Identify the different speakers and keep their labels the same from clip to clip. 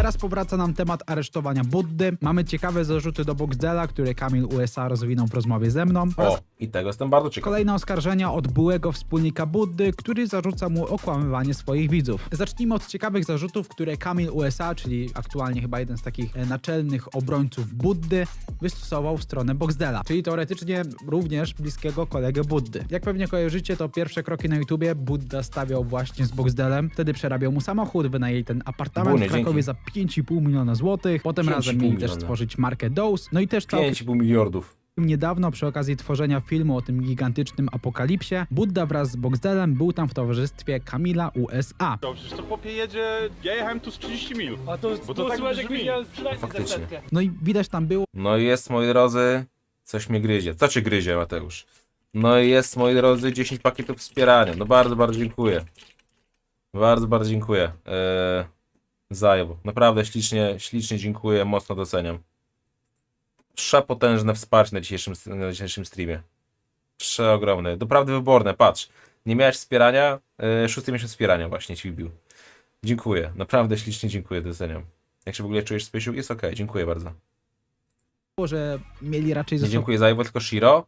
Speaker 1: teraz powraca nam temat aresztowania Buddy. Mamy ciekawe zarzuty do Boxdela, które Kamil USA rozwinął w rozmowie ze mną.
Speaker 2: O, i tego jestem bardzo ciekaw.
Speaker 1: Kolejne oskarżenia od byłego wspólnika Buddy, który zarzuca mu okłamywanie swoich widzów. Zacznijmy od ciekawych zarzutów, które Kamil USA, czyli aktualnie chyba jeden z takich naczelnych obrońców Buddy, wystosował w stronę Boxdela, czyli teoretycznie również bliskiego kolegę Buddy. Jak pewnie kojarzycie, to pierwsze kroki na YouTubie Budda stawiał właśnie z Boxdelem, wtedy przerabiał mu samochód, wynajęli ten apartament w Krakowie za 5,5 miliona złotych, potem razem mieli też stworzyć markę Dose, no i też
Speaker 2: 5,5 miliardów.
Speaker 1: Niedawno przy okazji tworzenia filmu o tym gigantycznym apokalipsie, Budda wraz z Boxdelem był tam w towarzystwie Kamila USA.
Speaker 3: Przecież to popie jedzie, ja jechałem tu z 30 mil.
Speaker 4: A to
Speaker 3: Bo to tak
Speaker 4: słychać, jak
Speaker 3: brzmi.
Speaker 4: widziałem sprzedać
Speaker 2: Faktycznie.
Speaker 4: desetkę.
Speaker 1: No i widać tam było,
Speaker 2: No i jest, moi drodzy, coś mnie gryzie. Co cię gryzie, Mateusz? No i jest, moi drodzy, 10 pakietów wspierania. No bardzo, bardzo dziękuję. Bardzo, bardzo dziękuję. Zajebu. Naprawdę ślicznie dziękuję, mocno doceniam. Przepotężne wsparcie na dzisiejszym streamie. Przeogromne. Doprawdy wyborne, patrz. Nie miałeś wspierania, 6. miesiąc wspierania właśnie ci wbił. Dziękuję, naprawdę ślicznie dziękuję, doceniam. Jak się w ogóle czujesz, Spysiu? Jest okej, dziękuję bardzo.
Speaker 1: że mieli raczej ze
Speaker 2: Nie
Speaker 1: sobą
Speaker 2: dziękuję za Iwo, tylko Shiro?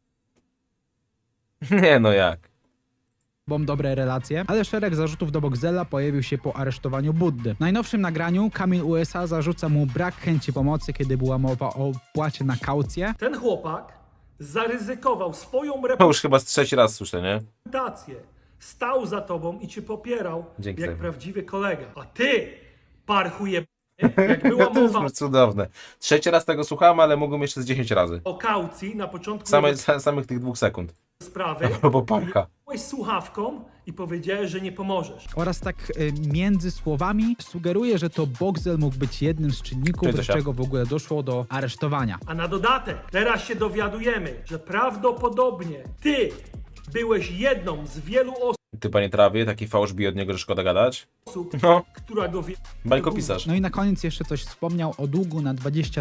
Speaker 2: Nie no jak.
Speaker 1: dobre relacje, ale szereg zarzutów do Boxdela pojawił się po aresztowaniu Buddy. W najnowszym nagraniu Kamil USA zarzuca mu brak chęci pomocy, kiedy była mowa o wpłacie na kaucję.
Speaker 4: Ten chłopak zaryzykował swoją
Speaker 2: To już chyba z 3. raz słyszę, nie?
Speaker 4: reputację. Stał za tobą i cię popierał
Speaker 2: Dzięki
Speaker 4: jak
Speaker 2: za-
Speaker 4: prawdziwy kolega. A ty, parchuje, jak była
Speaker 2: To jest
Speaker 4: mowa
Speaker 2: cudowne. 3. raz tego słuchałem, ale mogłem jeszcze z 10 razy.
Speaker 4: o kaucji na początku
Speaker 2: Samych tych 2 sekund.
Speaker 4: sprawy,
Speaker 2: Albo parka.
Speaker 4: byłeś słuchawką i powiedziałeś, że nie pomożesz.
Speaker 1: Oraz tak między słowami sugeruje, że to Boxdel mógł być jednym z czynników,
Speaker 2: Cześć,
Speaker 1: z
Speaker 2: Zosia.
Speaker 1: czego w ogóle doszło do aresztowania.
Speaker 4: A na dodatek, teraz się dowiadujemy, że prawdopodobnie ty byłeś jedną z wielu
Speaker 2: Ty, panie trawie, taki fałsz bije od niego, że szkoda gadać.
Speaker 4: osób,
Speaker 2: No,
Speaker 4: która go wie.
Speaker 2: bajkopisarz.
Speaker 1: No i na koniec jeszcze coś wspomniał o długu na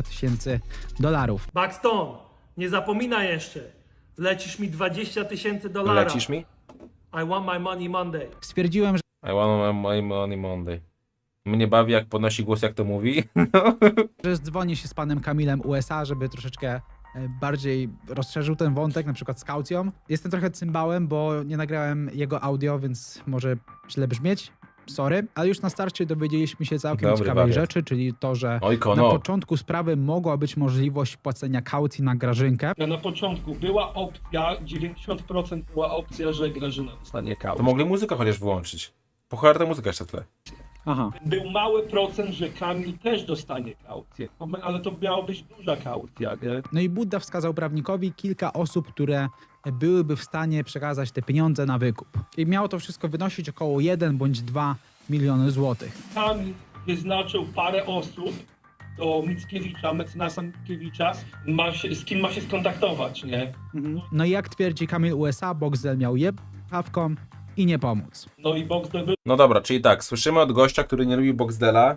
Speaker 1: $20,000.
Speaker 4: Buxton, nie zapominaj jeszcze. Lecisz mi $20,000.
Speaker 2: Lecisz mi?
Speaker 4: I want my money Monday.
Speaker 1: Stwierdziłem,
Speaker 2: I want my money Monday. Mnie bawi, jak podnosi głos, jak to mówi.
Speaker 1: że dzwoni się z panem Kamilem USA, żeby troszeczkę bardziej rozszerzył ten wątek, na przykład z kaucją. Jestem trochę cymbałem, bo nie nagrałem jego audio, więc może źle brzmieć. Sorry, ale już na starcie dowiedzieliśmy się całkiem
Speaker 2: Dobry
Speaker 1: ciekawej
Speaker 2: wariat.
Speaker 1: rzeczy, czyli to, że
Speaker 2: Oj,
Speaker 1: na
Speaker 2: kono.
Speaker 1: początku sprawy mogła być możliwość płacenia kaucji na Grażynkę.
Speaker 5: Na początku była opcja, 90% była opcja, że Grażyna dostanie
Speaker 2: To
Speaker 5: kaucję.
Speaker 2: mogli muzykę chociaż wyłączyć. Po cholerę ta muzyka jeszcze w tle.
Speaker 1: Aha.
Speaker 5: Był mały procent, że Kamil też dostanie kaucję, ale to miała być duża kaucja, nie?
Speaker 1: No i Budda wskazał prawnikowi kilka osób, które byłyby w stanie przekazać te pieniądze na wykup. I miało to wszystko wynosić około 1 bądź 2 miliony złotych.
Speaker 5: Kamil wyznaczył parę osób do Mickiewicza, mecenasa Mickiewicza, z kim ma się skontaktować, nie?
Speaker 1: No i jak twierdzi Kamil USA, Boxdel miał jebawką i nie pomóc.
Speaker 5: No i Boxdel był
Speaker 2: No dobra, czyli tak, słyszymy od gościa, który nie lubi Boxdela,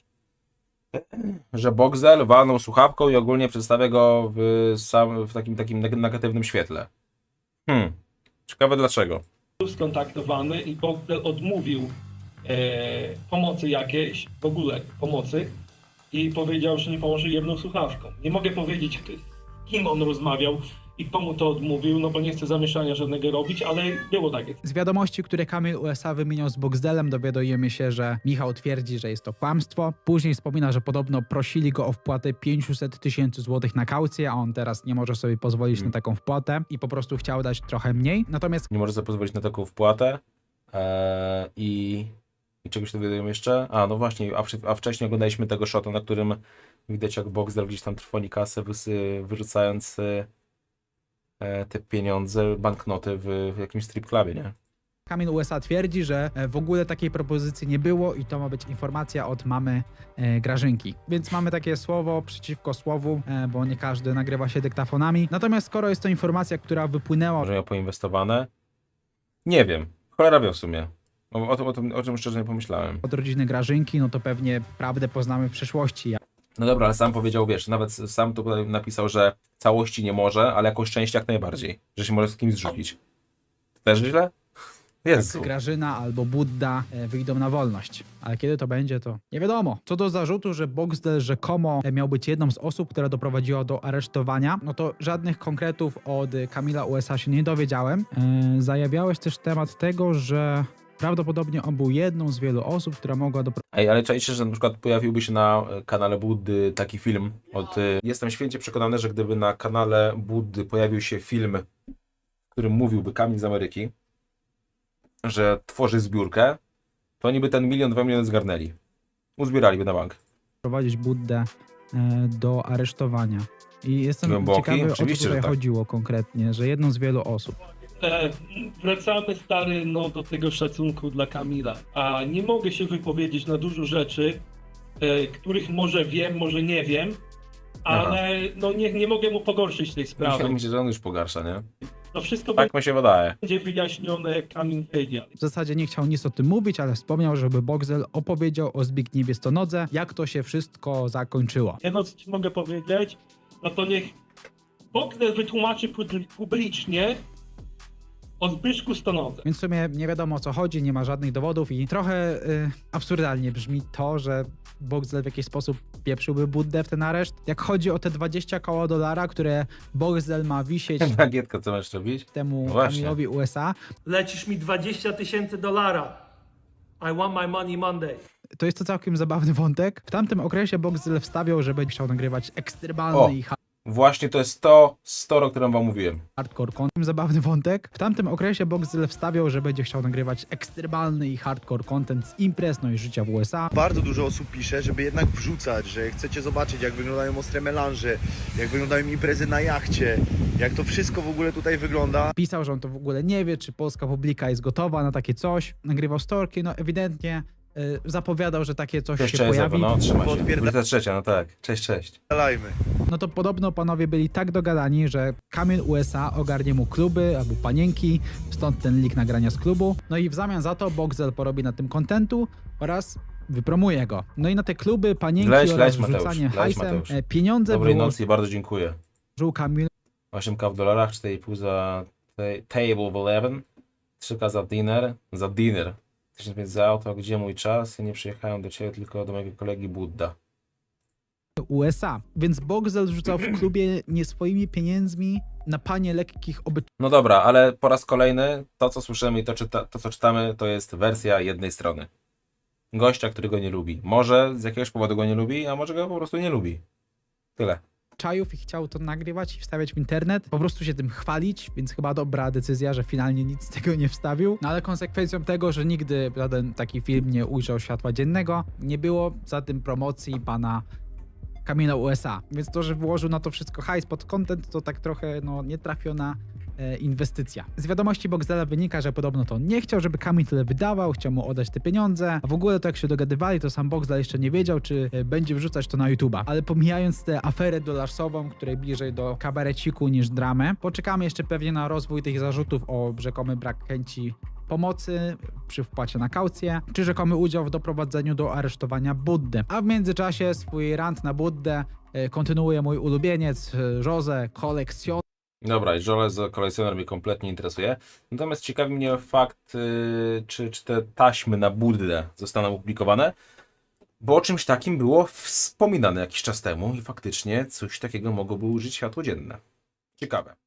Speaker 2: że Boxdel walnął słuchawką i ogólnie przedstawia go w takim negatywnym świetle. Ciekawe dlaczego.
Speaker 5: skontaktowany i Boxdel odmówił pomocy jakiejś, w ogóle pomocy i powiedział, że nie pomoże jedną słuchawką. Nie mogę powiedzieć, z kim on rozmawiał i komu to odmówił, no bo nie chcę zamieszania żadnego robić, ale było takie.
Speaker 1: Z wiadomości, które Kamil USA wymieniał z Boxdelem, dowiadujemy się, że Michał twierdzi, że jest to kłamstwo. Później wspomina, że podobno prosili go o wpłatę 500,000 złotych na kaucję, a on teraz nie może sobie pozwolić na taką wpłatę i po prostu chciał dać trochę mniej. Natomiast
Speaker 2: Nie może sobie pozwolić na taką wpłatę. I czegoś dowiadujemy jeszcze? A, no właśnie, a wcześniej oglądaliśmy tego shota, na którym widać, jak Boxdel gdzieś tam trwoni kasę, wyrzucając te pieniądze, banknoty w jakimś strip clubie, nie?
Speaker 1: Kamil USA twierdzi, że w ogóle takiej propozycji nie było i to ma być informacja od mamy Grażynki. Więc mamy takie słowo przeciwko słowu, bo nie każdy nagrywa się dyktafonami. Natomiast skoro jest to informacja, która wypłynęła
Speaker 2: Może miał poinwestowane? Nie wiem. Cholera wie w sumie. O czym szczerze nie pomyślałem.
Speaker 1: od rodziny Grażynki, no to pewnie prawdę poznamy w przyszłości.
Speaker 2: No dobra, ale sam powiedział, wiesz, nawet sam tu napisał, że całości nie może, ale jakoś część jak najbardziej. Że się może z kimś zrzucić. Też źle? Jezu.
Speaker 1: Grażyna albo Budda wyjdą na wolność. Ale kiedy to będzie, to nie wiadomo. Co do zarzutu, że Boxdel rzekomo miał być jedną z osób, która doprowadziła do aresztowania, no to żadnych konkretów od Kamila USA się nie dowiedziałem. Zajawiałeś też temat tego, że prawdopodobnie on był jedną z wielu osób, która mogła doprowadzić.
Speaker 2: Ej, ale czaicie, że na przykład pojawiłby się na kanale Buddy taki film od... Jestem święcie przekonany, że gdyby na kanale Buddy pojawił się film, w którym mówiłby Kamil z Ameryki, że tworzy zbiórkę, to oni by ten 1 2 miliony zgarnęli. Uzbieraliby na bank.
Speaker 1: Prowadzić Buddę do aresztowania. I jestem
Speaker 2: Głęboki?
Speaker 1: ciekawy, o co
Speaker 2: Oczywiście,
Speaker 1: tutaj
Speaker 2: że tak.
Speaker 1: chodziło konkretnie, że jedną z wielu osób.
Speaker 5: Wracamy, stary, no, do tego szacunku dla Kamila. A nie mogę się wypowiedzieć na dużo rzeczy, których może wiem, może nie wiem, ale no, nie mogę mu pogorszyć tej sprawy.
Speaker 2: Myślę, że on już pogarsza, nie?
Speaker 5: To wszystko
Speaker 2: Tak mi się wydaje.
Speaker 5: będzie wyjaśnione, Kamil wiedział.
Speaker 1: W zasadzie nie chciał nic o tym mówić, ale wspomniał, żeby Boxdel opowiedział o Zbigniewie Stonodze, jak to się wszystko zakończyło.
Speaker 5: Jedno, co ci mogę powiedzieć, no to niech Boxdel wytłumaczy publicznie o Zbyszku Stonodze.
Speaker 1: Więc w sumie nie wiadomo o co chodzi, nie ma żadnych dowodów i trochę absurdalnie brzmi to, że Boxdel w jakiś sposób pieprzyłby Buddę w ten areszt. Jak chodzi o te $20 koła, które Boxdel ma wisieć
Speaker 2: Bagietka, co masz robić?
Speaker 1: temu
Speaker 2: Właśnie.
Speaker 1: Kamilowi USA,
Speaker 4: Lecisz mi $20,000. I want my money Monday.
Speaker 1: to jest to całkiem zabawny wątek. W tamtym okresie Boxdel wstawiał, że będzie chciał nagrywać ekstremalny i
Speaker 2: Właśnie to jest to story, o którym wam mówiłem.
Speaker 1: hardcore content. Zabawny wątek. W tamtym okresie Boxdel wstawiał, że będzie chciał nagrywać ekstremalny i hardcore content z imprez, no i życia w USA.
Speaker 6: Bardzo dużo osób pisze, żeby jednak wrzucać, że chcecie zobaczyć, jak wyglądają ostre melanże, jak wyglądają imprezy na jachcie, jak to wszystko w ogóle tutaj wygląda.
Speaker 1: Pisał, że on to w ogóle nie wie, czy polska publika jest gotowa na takie coś. Nagrywał storki, no ewidentnie zapowiadał, że takie coś się
Speaker 2: Jeszcze jest
Speaker 1: pojawi.
Speaker 2: no trzymaj się.
Speaker 6: Podpierda-
Speaker 2: 23, no tak. Cześć, cześć.
Speaker 6: Dalajmy.
Speaker 1: No to podobno panowie byli tak dogadani, że Kamil USA ogarnie mu kluby albo panienki, stąd ten link nagrania z klubu. No i w zamian za to Boxdel porobi na tym kontentu oraz wypromuje go. No i na te kluby, panienki
Speaker 2: Leć,
Speaker 1: oraz
Speaker 2: Mateusz,
Speaker 1: rzucanie
Speaker 2: leć,
Speaker 1: hajsem
Speaker 2: Mateusz.
Speaker 1: pieniądze
Speaker 2: Dobrej
Speaker 1: wyłożył
Speaker 2: nocy i bardzo dziękuję.
Speaker 1: Kamil
Speaker 2: 8K w dolarach, 4,5 za table of 11, 3K za dinner. 1005 za auto, gdzie mój czas? Ja nie przyjechałem do ciebie, tylko do mojego kolegi Budda.
Speaker 1: USA. Więc Boxdel rzucał w klubie nie swoimi pieniędzmi na panie lekkich
Speaker 2: No dobra, ale po raz kolejny to, co słyszymy i to, co czytamy, to jest wersja jednej strony. Gościa, który go nie lubi. Może z jakiegoś powodu go nie lubi, a może go po prostu nie lubi. Tyle.
Speaker 1: obyczajów i chciał to nagrywać i wstawiać w internet, po prostu się tym chwalić, więc chyba dobra decyzja, że finalnie nic z tego nie wstawił. No ale konsekwencją tego, że nigdy żaden taki film nie ujrzał światła dziennego, nie było za tym promocji pana Kamila USA. Więc to, że włożył na to wszystko hajs pod content, to tak trochę nietrafiona inwestycja. Z wiadomości Boxdela wynika, że podobno to nie chciał, żeby Kamil tyle wydawał, chciał mu oddać te pieniądze, a w ogóle to jak się dogadywali, to sam Boxdel jeszcze nie wiedział, czy będzie wrzucać to na YouTube'a. Ale pomijając tę aferę dolarsową, której bliżej do kabareciku niż dramę, poczekamy jeszcze pewnie na rozwój tych zarzutów o rzekomy brak chęci pomocy przy wpłacie na kaucję, czy rzekomy udział w doprowadzeniu do aresztowania Buddy. A w międzyczasie swój rant na Buddę kontynuuje mój ulubieniec Jose Kolekcjon.
Speaker 2: Dobra, i Jose Kolekcjoner mnie kompletnie interesuje. Natomiast ciekawi mnie fakt, czy te taśmy na Buddę zostaną opublikowane, bo o czymś takim było wspominane jakiś czas temu i faktycznie coś takiego mogłoby ujrzeć światło dzienne. Ciekawe.